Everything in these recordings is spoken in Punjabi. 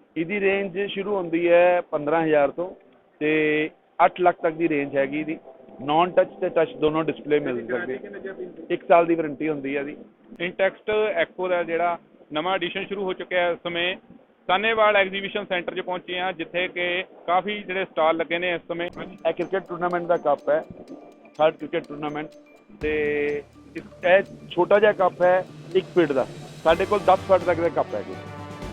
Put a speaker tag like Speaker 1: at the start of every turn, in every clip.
Speaker 1: ਇਹਦੀ ਰੇਂਜ ਸ਼ੁਰੂ ਹੁੰਦੀ ਹੈ 15,000 ਤੋਂ ਤੇ 8 ਲੱਖ ਤੱਕ ਦੀ ਰੇਂਜ ਹੈਗੀ ਇਹਦੀ। ਨॉन टच ਤੇ ਟਚ ਦੋਨੋਂ ਡਿਸਪਲੇ ਮਿਲ ਸਕਦੇ। 1 ਸਾਲ ਦੀ ਵਾਰੰਟੀ ਹੁੰਦੀ ਹੈ ਇਹਦੀ।
Speaker 2: ਇੰਟੈਕਸਟ ਐਕੋ ਦਾ ਜਿਹੜਾ ਨਵਾਂ ਐਡੀਸ਼ਨ ਸ਼ੁਰੂ ਹੋ ਚੁੱਕਿਆ ਇਸ ਸਮੇਂ ਸਾਨੇਵਾਲ ਐਗਜ਼ੀਬਿਸ਼ਨ ਸੈਂਟਰ 'ਚ ਪਹੁੰਚੇ ਹਾਂ, ਜਿੱਥੇ ਕਿ ਕਾਫੀ ਜਿਹੜੇ ਸਟਾਲ ਲੱਗੇ ਨੇ ਇਸ ਸਮੇਂ।
Speaker 1: ਇਹ ਕ੍ਰਿਕਟ ਟੂਰਨਾਮੈਂਟ ਦਾ ਕੱਪ ਹੈ, 3rd ਕ੍ਰਿਕਟ ਟੂਰਨਾਮੈਂਟ। ਤੇ ਇਹ ਛੋਟਾ ਜਿਹਾ ਕੱਪ ਹੈ 1 ਫੀਟ ਦਾ। ਸਾਡੇ ਕੋਲ 10 ਫੁੱਟ ਤੱਕ ਦੇ ਕੱਪ ਹੈਗੇ।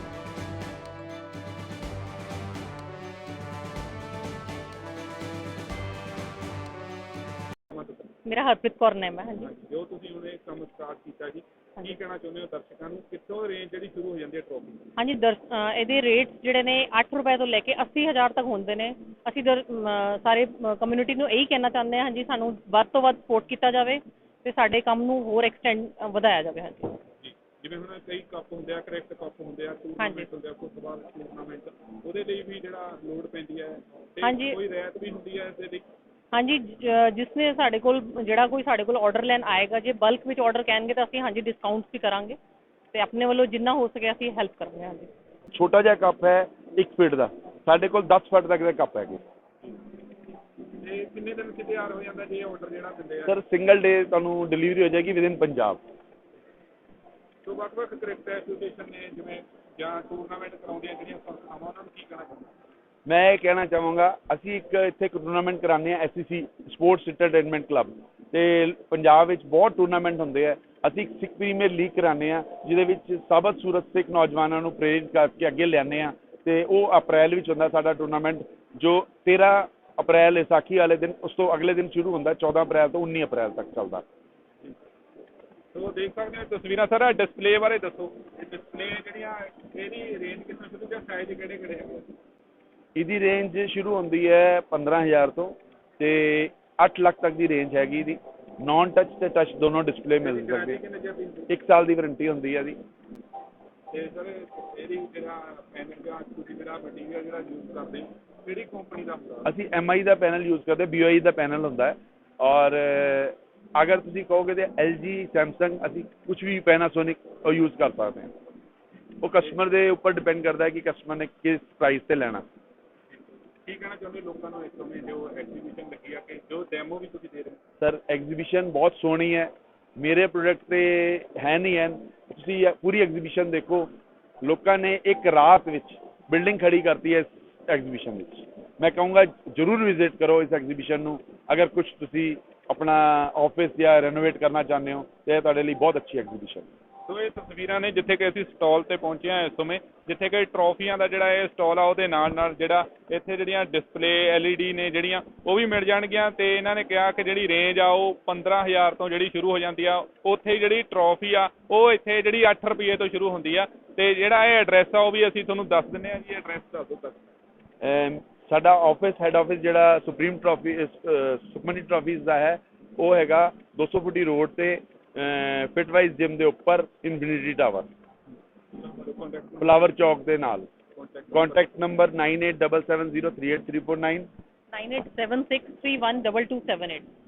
Speaker 3: मेरा हरप्रीत कौर नेम है। हाँ जी,
Speaker 2: ਜੋ ਤੁਸੀਂ ਹੁਣ ਇਹ ਕੰਮ ਸਟਾਰਟ ਕੀਤਾ ਜੀ, ਕੀ ਕਹਿਣਾ ਚਾਹੁੰਦੇ ਹੋ ਦਰਸ਼ਕਾਂ ਨੂੰ? ਕਿੱਥੋਂ ਰੇਂਜ ਜਿਹੜੀ ਸ਼ੁਰੂ ਹੋ ਜਾਂਦੀ ਹੈ ਟਰੋਫੀ?
Speaker 3: हाँ जी, ਇਹਦੇ ਰੇਟਸ ਜਿਹੜੇ ਨੇ 8 ਰੁਪਏ ਤੋਂ ਲੈ ਕੇ 80,000 ਤੱਕ ਹੁੰਦੇ ਨੇ। ਅਸੀਂ ਸਾਰੇ ਕਮਿਊਨਿਟੀ ਨੂੰ ਇਹੀ ਕਹਿਣਾ ਚਾਹੁੰਦੇ ਹਾਂ, ਹਾਂਜੀ, ਸਾਨੂੰ ਵੱਧ ਤੋਂ ਵੱਧ ਸਪੋਰਟ ਕੀਤਾ ਜਾਵੇ ਤੇ ਸਾਡੇ ਕੰਮ ਨੂੰ ਹੋਰ ਐਕਸਟੈਂਡ ਵਧਾਇਆ ਜਾਵੇ। ਹਾਂਜੀ
Speaker 2: ਜੀ, ਜਿਵੇਂ ਹੁਣ ਕਈ ਕੱਪ ਹੁੰਦੇ ਆ, ਕ੍ਰਿਕਟ ਕੱਪ ਹੁੰਦੇ ਆ, ਟੂਰਨਾਮੈਂਟ ਹੁੰਦੇ ਆ, ਫੁੱਟਬਾਲ ਟੂਰਨਾਮੈਂਟ, ਉਹਦੇ ਲਈ ਵੀ ਜਿਹੜਾ ਲੋਡ ਪੈਂਦੀ ਹੈ ਤੇ ਕੋਈ ਰਿਆਇਤ ਵੀ ਹੁੰਦੀ ਹੈ ਇਹਦੇ ਲਈ?
Speaker 3: ਹਾਂਜੀ, ਜਿਸਨੇ ਸਾਡੇ ਕੋਲ ਜਿਹੜਾ ਕੋਈ ਸਾਡੇ ਕੋਲ ਆਰਡਰ ਲੈਣ ਆਏਗਾ, ਜੇ ਬਲਕ ਵਿੱਚ ਆਰਡਰ ਕਹਿਣਗੇ ਤਾਂ ਅਸੀਂ ਹਾਂਜੀ ਡਿਸਕਾਊਂਟਸ ਵੀ ਕਰਾਂਗੇ ਤੇ ਆਪਣੇ ਵੱਲੋਂ ਜਿੰਨਾ ਹੋ ਸਕੇ ਅਸੀਂ ਹੈਲਪ ਕਰਾਂਗੇ। ਹਾਂਜੀ,
Speaker 1: ਛੋਟਾ ਜਿਹਾ ਕੱਪ ਹੈ 1 ਫੀਟ ਦਾ। ਸਾਡੇ ਕੋਲ 10 ਫੁੱਟ ਤੱਕ ਦੇ ਕੱਪ ਹੈਗੇ।
Speaker 2: ਤੇ ਕਿੰਨੇ ਦਿਨ 'ਚ ਤਿਆਰ ਹੋ ਜਾਂਦਾ ਜੇ ਆਰਡਰ ਜਿਹੜਾ ਦਿੰਦੇ ਆ?
Speaker 1: ਸਰ ਸਿੰਗਲ ਡੇ ਤੁਹਾਨੂੰ ਡਿਲੀਵਰੀ ਹੋ ਜਾਏਗੀ ਵਿਦਿਨ ਪੰਜਾਬ।
Speaker 2: ਸੋ ਵੱਖ-ਵੱਖ ਕ੍ਰਿਕਟ ਐਸੋਸੀਏਸ਼ਨ ਨੇ ਜਿਵੇਂ ਜਾਂ ਟੂਰਨਾਮੈਂਟ ਕਰਾਉਂਦੀਆਂ ਜਿਹੜੀਆਂ ਸੰਸਥਾਵਾਂ, ਉਹਨਾਂ ਨੂੰ ਕੀ ਕਹਿਣਾ ਚਾਹੁੰਦੇ?
Speaker 1: ਮੈਂ ਇਹ ਕਹਿਣਾ ਚਾਹਾਂਗਾ, ਅਸੀਂ ਇੱਕ ਇੱਥੇ ਟੂਰਨਾਮੈਂਟ ਕਰਾਉਂਦੇ ਹਾਂ, SCC ਸਪੋਰਟਸ ਐਂਟਰਟੇਨਮੈਂਟ ਕਲੱਬ, ਤੇ ਪੰਜਾਬ ਵਿੱਚ ਬਹੁਤ ਟੂਰਨਾਮੈਂਟ ਹੁੰਦੇ ਆ। ਅਸੀਂ ਇੱਕ ਸਿੱਖ ਪ੍ਰੀਮੀਅਰ ਲੀਗ ਕਰਾਉਂਦੇ ਹਾਂ, ਜਿਹਦੇ ਵਿੱਚ ਸਾਬਤ ਸੂਰਤ ਸਿੱਖ ਨੌਜਵਾਨਾਂ ਨੂੰ ਪ੍ਰੇਰਿਤ ਕਰਕੇ ਅੱਗੇ ਲਿਆਉਂਦੇ ਹਾਂ। ਤੇ ਉਹ ਅਪ੍ਰੈਲ ਵਿੱਚ ਹੁੰਦਾ ਸਾਡਾ ਟੂਰਨਾਮੈਂਟ, ਜੋ 13 ਅਪ੍ਰੈਲ ਵਿਸਾਖੀ ਵਾਲੇ ਦਿਨ, ਉਸ ਤੋਂ ਅਗਲੇ ਦਿਨ ਸ਼ੁਰੂ ਹੁੰਦਾ, 14 ਅਪ੍ਰੈਲ ਤੋਂ 19 ਅਪ੍ਰੈਲ ਤੱਕ ਚੱਲਦਾ।
Speaker 2: ਸੋ ਦੇਖ ਸਕਦੇ ਹੋ ਤਸਵੀਰਾਂ। ਸਰ ਡਿਸਪਲੇ ਬਾਰੇ ਦੱਸੋ, ਡਿਸਪਲੇ ਜਿਹੜੀਆਂ ਇਹਦੀ ਰੇਂਜ ਕਿੰਨਾ ਸ਼ੁਰੂ ਜਾਂ ਸਾਈਜ਼ ਕਿਹੜੇ ਕਿਹੜੇ ਹੈਗੇ?
Speaker 1: ਇਹਦੀ ਰੇਂਜ ਸ਼ੁਰੂ ਹੁੰਦੀ ਹੈ 15,000 ਤੋਂ ਤੇ 8 ਲੱਖ ਤੱਕ ਦੀ ਰੇਂਜ ਹੈਗੀ ਇਹਦੀ। ਨॉन टच ਤੇ ਟਚ ਦੋਨੋਂ ਡਿਸਪਲੇ ਮਿਲ ਸਕਦੇ। 1 ਸਾਲ ਦੀ ਵਾਰੰਟੀ ਹੁੰਦੀ ਹੈ ਇਹਦੀ।
Speaker 2: ਤੇ ਸਰ ਇਹਦੀ ਜਿਹੜਾ ਪੈਨਲ ਜਾਂ ਤੁਸੀਂ ਜਿਹੜਾ ਮਟੀਰੀਅਲ ਜਿਹੜਾ ਯੂਜ਼ ਕਰਦੇ ਹੋ, ਕਿਹੜੀ ਕੰਪਨੀ ਦਾ ਹੁੰਦਾ?
Speaker 1: ਅਸੀਂ MI ਦਾ ਪੈਨਲ ਯੂਜ਼ ਕਰਦੇ, BOI ਦਾ ਪੈਨਲ ਹੁੰਦਾ ਹੈ। ਔਰ ਅਗਰ ਤੁਸੀਂ ਕਹੋਗੇ ਤਾਂ LG, ਸੈਮਸੰਗ, ਅਸੀਂ ਕੁਝ ਵੀ ਪੈਨਾਸੋਨਿਕ ਉਹ ਯੂਜ਼ ਕਰ ਸਕਦੇ ਹਾਂ। ਉਹ ਕਸਟਮਰ ਦੇ ਉੱਪਰ ਡਿਪੈਂਡ ਕਰਦਾ ਹੈ ਕਿ ਕਸਟਮਰ ਨੇ ਕਿਸ ਪ੍ਰਾਈਸ 'ਤੇ ਲੈਣਾ।
Speaker 2: ਕੀ ਕਹਿਣਾ ਚਾਹੁੰਦੇ ਲੋਕਾਂ ਨੂੰ ਇਸ ਸਮੇਂ ਜੋ ਐਗਜ਼ੀਬਿਸ਼ਨ ਲੱਗੀ ਆ, ਕਿ ਜੋ ਡੈਮੋ ਵੀ ਤੁਸੀਂ ਦੇ ਰਹੇ ਹੋ?
Speaker 1: ਸਰ ਐਗਜ਼ੀਬਿਸ਼ਨ ਬਹੁਤ ਸੋਹਣੀ ਹੈ। ਮੇਰੇ ਪ੍ਰੋਡਕਟ ਤੇ ਹੈ ਨਹੀਂ ਹੈ, ਤੁਸੀਂ ਪੂਰੀ ਐਗਜ਼ੀਬਿਸ਼ਨ ਦੇਖੋ। ਲੋਕਾਂ ਨੇ ਇੱਕ ਰਾਤ ਵਿੱਚ ਬਿਲਡਿੰਗ ਖੜੀ ਕਰਤੀ ਹੈ ਇਸ ਐਗਜ਼ੀਬਿਸ਼ਨ ਵਿੱਚ। ਮੈਂ ਕਹੂੰਗਾ ਜ਼ਰੂਰ ਵਿਜ਼ਿਟ ਕਰੋ ਇਸ ਐਗਜ਼ੀਬਿਸ਼ਨ ਨੂੰ। ਅਗਰ ਕੁਝ ਤੁਸੀਂ ਆਪਣਾ ਆਫਿਸ ਜਾਂ ਰੈਨੋਵੇਟ ਕਰਨਾ ਚਾਹੁੰਦੇ ਹੋ ਤਾਂ ਇਹ ਤੁਹਾਡੇ ਲਈ ਬਹੁਤ ਅੱਛੀ ਐਗਜ਼ੀਬਿਸ਼ਨ।
Speaker 2: ਸੋ ਇਹ ਤਸਵੀਰਾਂ ਨੇ ਜਿੱਥੇ ਕਿ ਅਸੀਂ ਸਟਾਲ ਤੇ ਪਹੁੰਚੇ ਹਾਂ ਇਸ ਸਮੇਂ, ਜਿੱਥੇ ਕਿ ਟਰੋਫੀਆਂ ਦਾ ਜਿਹੜਾ ਇਹ ਸਟਾਲ ਆ, ਉਹਦੇ ਨਾਲ ਨਾਲ ਜਿਹੜਾ ਇੱਥੇ ਜਿਹੜੀਆਂ ਡਿਸਪਲੇ LED ਨੇ ਜਿਹੜੀਆਂ ਉਹ ਵੀ ਮਿਲ ਜਾਣਗੀਆਂ। ਤੇ ਇਹਨਾਂ ਨੇ ਕਿਹਾ ਕਿ ਜਿਹੜੀ ਰੇਂਜ ਆ ਉਹ 15,000 ਤੋਂ ਜਿਹੜੀ ਸ਼ੁਰੂ ਹੋ ਜਾਂਦੀ ਆ। ਉੱਥੇ ਜਿਹੜੀ ਟਰੋਫੀ ਆ ਉਹ ਇੱਥੇ ਜਿਹੜੀ 8 ਰੁਪਏ ਤੋਂ ਸ਼ੁਰੂ ਹੁੰਦੀ ਆ। ਤੇ ਜਿਹੜਾ ਇਹ ਐਡਰੈਸ ਆ ਉਹ ਵੀ ਅਸੀਂ ਤੁਹਾਨੂੰ ਦੱਸ ਦਿੰਦੇ ਹਾਂ ਜੀ। ਐਡਰੈਸ ਦੱਸ ਦਿਓ ਤੱਕ।
Speaker 1: ਸਾਡਾ ਹੈੱਡ ਆਫਿਸ ਜਿਹੜਾ ਸੁਖਮਨੀ ਟਰਾਫੀਜ਼ ਦਾ ਹੈ, ਉਹ ਹੈਗਾ 200 ਫੁੱਟੀ ਰੋਡ ਤੇ ਫਿਟਵਾਈਜ਼ ਜਿਮ ਦੇ ਉੱਪਰ, ਇਨਫਿਨਿਟੀ ਟਾਵਰ, ਫਲਾਵਰ ਚੌਕ ਦੇ ਨਾਲ। Contact number 9877038349
Speaker 3: 9876312278।